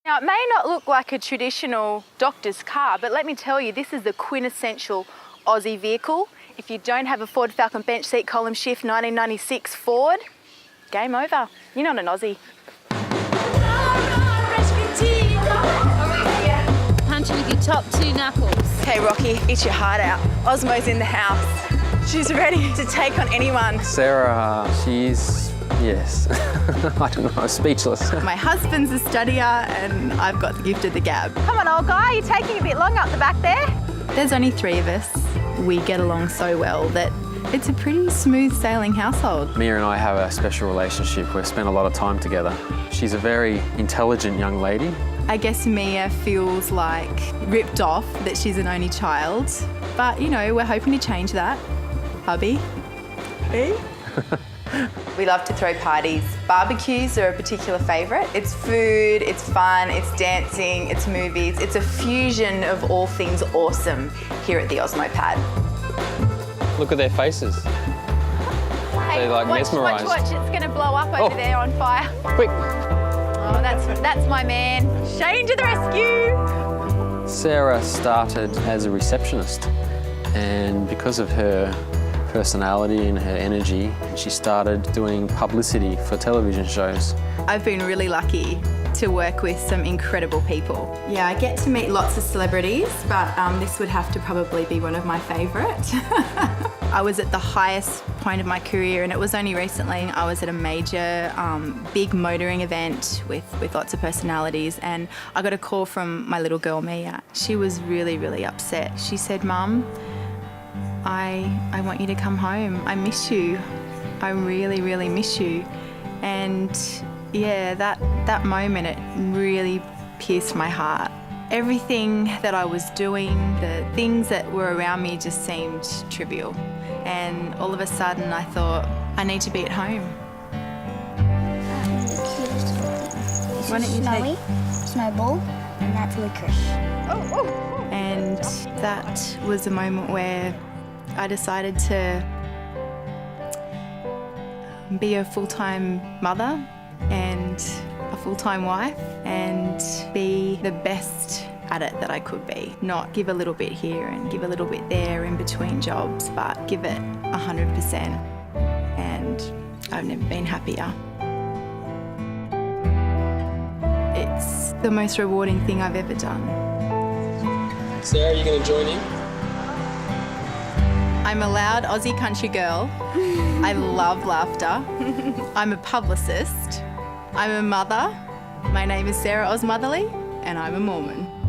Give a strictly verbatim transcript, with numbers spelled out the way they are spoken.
Now, it may not look like a traditional doctor's car, but let me tell you, this is the quintessential Aussie vehicle. If you don't have a Ford Falcon bench seat column shift nineteen ninety-six Ford, game over. You're not an Aussie. Punch with your top two knuckles. Okay, Rocky, eat your heart out. Osmo's in the house. She's ready to take on anyone. Sarah, uh, she's, yes, I don't know, speechless. My husband's a studier and I've got the gift of the gab. Come on, old guy, you're taking a bit long up the back there. There's only three of us. We get along so well that it's a pretty smooth sailing household. Mia and I have a special relationship. We've spent a lot of time together. She's a very intelligent young lady. I guess Mia feels like ripped off that she's an only child, but you know, we're hoping to change that. Hubby? Hey? We love to throw parties. Barbecues are a particular favourite. It's food, it's fun, it's dancing, it's movies. It's a fusion of all things awesome here at the Osmo Pad. Look at their faces. Hey, They're like watch, mesmerised. Watch, watch, it's going to blow up over Oh. there on fire. Quick. Oh, that's, that's my man. Shane to the rescue. Sarah started as a receptionist, and because of her personality and her energy, she started doing publicity for television shows. I've been really lucky to work with some incredible people. Yeah, I get to meet lots of celebrities, but um, this would have to probably be one of my favourite. I was at the highest point of my career, and it was only recently I was at a major um, big motoring event with, with lots of personalities, and I got a call from my little girl Mia. She was really, really upset. She said, "Mum, I, I want you to come home. I miss you. I really, really miss you." And yeah, that, that moment, it really pierced my heart. Everything that I was doing, the things that were around me just seemed trivial. And all of a sudden I thought, I need to be at home. That's the cutest thing. This Why is don't you Snowy, take- Snowball, and that's Licorice. Oh, oh. And that was a moment where I decided to be a full-time mother and a full-time wife and be the best at it that I could be. Not give a little bit here and give a little bit there in between jobs, but give it one hundred percent. And I've never been happier. It's the most rewarding thing I've ever done. Sarah, are you going to join in? I'm a loud Aussie country girl. I love laughter. I'm a publicist. I'm a mother. My name is Sarah Osmotherly, and I'm a Mormon.